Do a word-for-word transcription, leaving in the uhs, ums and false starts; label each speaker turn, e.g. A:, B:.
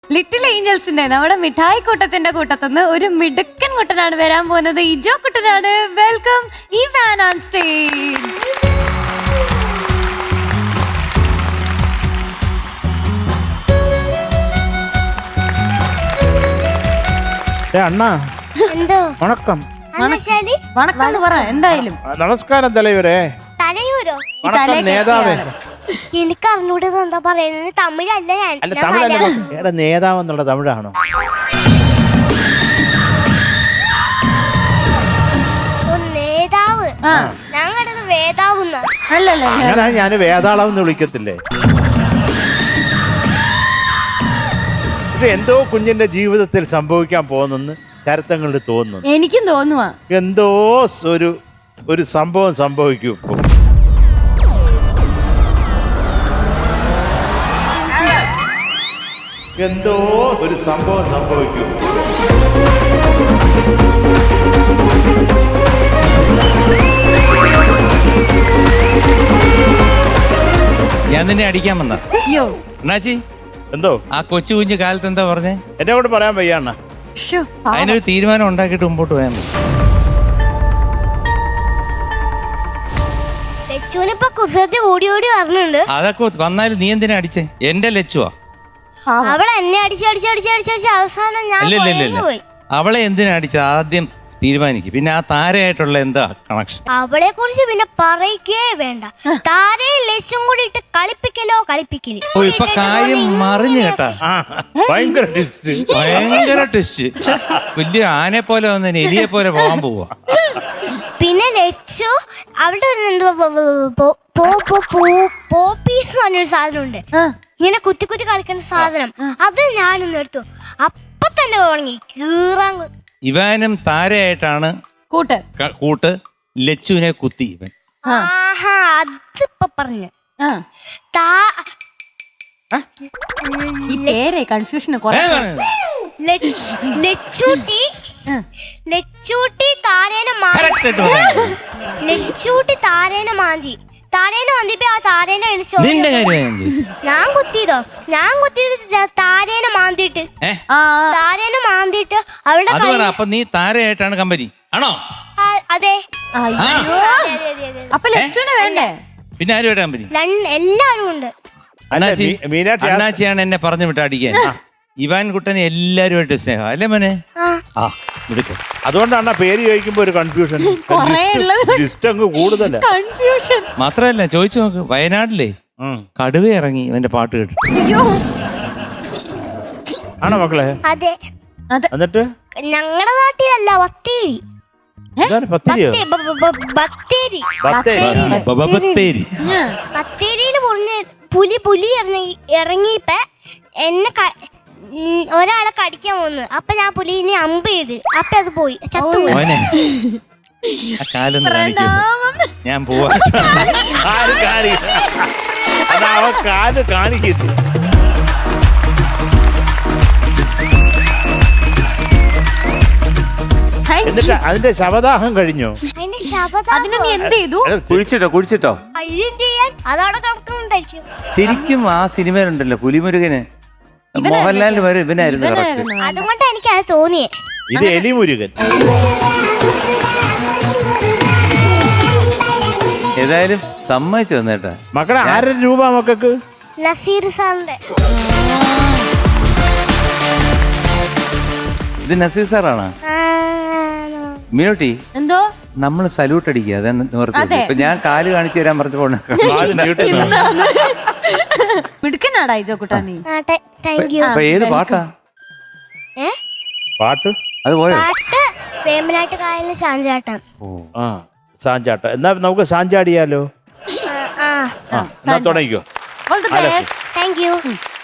A: Little ഏഞ്ചൽസിന്റെ നമ്മുടെ മിഠായി കൂട്ടത്തിന്റെ കൂട്ടത്തുനിന്ന് ഒരു മിടുക്കൻ കുട്ടനാണ് വരാൻ പോകുന്നത്. ഇജോ കുട്ടനാണ്. Welcome Ivan on stage.
B: അണ്ണാ വണക്കം.
A: വണക്കം എന്ന് പറ. എന്തായാലും
B: നമസ്കാരം തലവരെ.
C: തലയൂരോ?
B: നേതാവേ.
C: എനിക്ക് അറിഞ്ഞൂടത് എന്താ പറയുന്നത്. തമിഴല്ല ഞാൻ.
B: അല്ല തമിഴല്ല. നേതാവ് എന്നുള്ള തമിഴാണോ?
C: നേതാവ്. ഞാൻ കണ്ടത് വേദാവുന്ന.
B: അങ്ങനെ ഞാൻ വേതാളം എന്ന് വിളിക്കത്തില്ലേ? ഇത് എന്തോ കുഞ്ഞിന്റെ ജീവിതത്തിൽ സംഭവിക്കാൻ പോകുന്നെന്ന് ചരിത്രങ്ങളിൽ തോന്നുന്നു.
A: എനിക്കും തോന്നുവാ
B: എന്തോ ഒരു ഒരു സംഭവം സംഭവിക്കും ഇപ്പൊ. എന്തോ ഒരു സംഭവം സംഭവിക്കും.
D: ഞാൻ നിന്നെ അടിക്കാൻ വന്ന
A: അയ്യോ
D: അണ്ണാച്ചി.
B: എന്തോ
D: ആ കൊച്ചു കുഞ്ഞു കാലത്ത് എന്താ പറഞ്ഞേ?
B: എന്നെ കൊണ്ട് പറയാൻ വയ്യ അണ്ണ.
D: അതിനൊരു തീരുമാനം ഉണ്ടാക്കിയിട്ട് മുമ്പോട്ട് പോയാൽ മതി.
C: ലച്ചുവിനിപ്പോ കുസൃതി ഓടി ഓടി പറഞ്ഞുണ്ട്.
D: അതൊക്കെ വന്നാലും നീ എന്തിനാ അടിച്ചേ? എന്റെ ലച്ചുവാ.
C: അവളെ എന്നെ അടിച്ച് അടിച്ച് അടിച്ച് അടിച്ച് അവസാനം ഞാൻ പോയി.
D: അവളെ എന്തിനാ അടിച്ചത് ആദ്യം തീരുമാനിക്കും. പിന്നെ ആ താരയായിട്ടുള്ള എന്താ കണക്ഷൻ?
C: അവളെ കുറിച്ച് പിന്നെ പറയിക്കേ വേണ്ട. താരയും ലച്ചും കൂടി ഇട്ട് കളിപ്പിക്കലോ കളിപ്പിക്കല്.
D: ഓ ഇപ്പൊ കാര്യം മറിഞ്ഞു കേട്ടാ.
B: ഭയങ്കര ടിസ്റ്റ്.
D: ഭയങ്കര ടിസ്റ്റ്. വലിയ ആനെ പോലെ വന്ന് എലിയെ പോലെ പോകാൻ പോവാ.
C: പിന്നെ ലച്ചു അവിടെ പോപ്പീസ് പറഞ്ഞൊരു സാധനം ഉണ്ട്. ഇങ്ങനെ കുത്തി കുത്തി കളിക്കുന്ന സാധനം. അത് ഞാനൊന്ന് എടുത്തു. അപ്പൊ തന്നെ തുടങ്ങി കീറാൻ.
D: ഇവാനും താരയായിട്ടാണ്
A: കൂട്ട്
D: കൂട്ട്. ലച്ചുവിനെ കുത്തി ഇവൻ.
C: ആഹാ അതിപ്പോ പറഞ്ഞു.
A: കൺഫ്യൂഷൻ
C: ലച്ചൂട്ടി ലച്ചൂട്ടി താരേനെ ലച്ചൂട്ടി താരേനെ മാന്തി. താരേനെ മാന്തിപ്പോ ആ താരേനെ വിളിച്ചോ. ഞാൻ കുത്തിയതോ? ഞാൻ കുത്തിയത് താരേനെ മാന്തിട്ട്. താരേനെ മാന്തിട്ട് അവളുടെ.
D: അപ്പൊ നീ താരയായിട്ടാണ് കമ്പനി ആണോ?
C: അതെ.
A: അപ്പൊ ലച്ചുവിനെ വേണ്ടേ?
D: പിന്നെ ആരുമായിട്ട് കമ്പനി?
C: എല്ലാരും ഉണ്ട്.
D: അണ്ണാച്ചിയാണ് എന്നെ പറഞ്ഞു വിട്ട അടിക്കാൻ. ഇവാൻ കുട്ടനെ എല്ലാരുമായിട്ട് സ്നേഹം അല്ലേ മോനെ? ആ
B: അതുകൊണ്ടാണ് പേര് ചോദിക്കുമ്പോ ഒരു കൺഫ്യൂഷൻ. കൂടുതൽ
D: മാത്രല്ല ചോദിച്ചു നോക്ക്. വയനാട്ടിലെ കടുവ ഇറങ്ങി ഇവന്റെ പാട്ട് കേട്ടു.
B: ആണോ മക്കളെ?
C: അതെ.
B: എന്നിട്ട്
C: ഞങ്ങളുടെ നാട്ടിലല്ല ബത്തേരി. ബത്തേരിയില് പുലി പുലി ഇറങ്ങി ഇറങ്ങിയപ്പോ എന്നെ ഒരാളെ കടിക്കാൻ വന്നു. അപ്പൊ ഞാൻ പുലിനെ അമ്പ് ചെയ്ത്. അപ്പൊ അത് പോയി ചത്തുപോയി.
D: ഞാൻ പോവാ.
B: എന്നിട്ട് അതിന്റെ ശവദാഹം കഴിഞ്ഞോ?
C: അതിന്റെ ശവദാഹം
A: നീ എന്ത് ചെയ്തു?
D: കുഴിച്ചിട്ടോ കുഴിച്ചിട്ടോ
C: അതവിടെ കിടക്കുന്നുണ്ടായിരിക്കും.
D: ശരിക്കും ആ സിനിമയിലുണ്ടല്ലോ പുലിമുരുകന് മോഹൻലാലിന് വരെ ഇവനായിരുന്നു.
C: അതുകൊണ്ട് എനിക്ക് അത് തോന്നിയേ.
B: ഇത് എലിമുരുകൻ.
D: ഏതായാലും സമ്മതിച്ചു തന്നേട്ടാ.
B: മക്കളെ ആയിരം രൂപ മക്കൾക്ക്.
C: നസീർ സാറിന്റെ.
D: ഇത് നസീർ സാറാണ്. മീനോട്ടി
A: എന്തോ
D: നമ്മള് സല്യൂട്ട് അടിക്കുക. അതെ നിവർത്തി. ഇപ്പൊ ഞാൻ കാല് കാണിച്ചു തരാൻ പറഞ്ഞപ്പോ
A: മിടുക്കനാടാ ഇജോ കുട്ടാ നീ.
D: ഏത് പാട്ടാ?
B: പാട്ട്
D: അത് പോയോ?
C: പാട്ട് വേമ്പനാട്ട് കായലിന് സാഞ്ചാട്ടം.
B: ആ സാഞ്ചാട്ടം. എന്നാ നമുക്ക് സാഞ്ചാടിയാലോ? എന്നാ തുടങ്ങിക്കോ.
C: Thank U.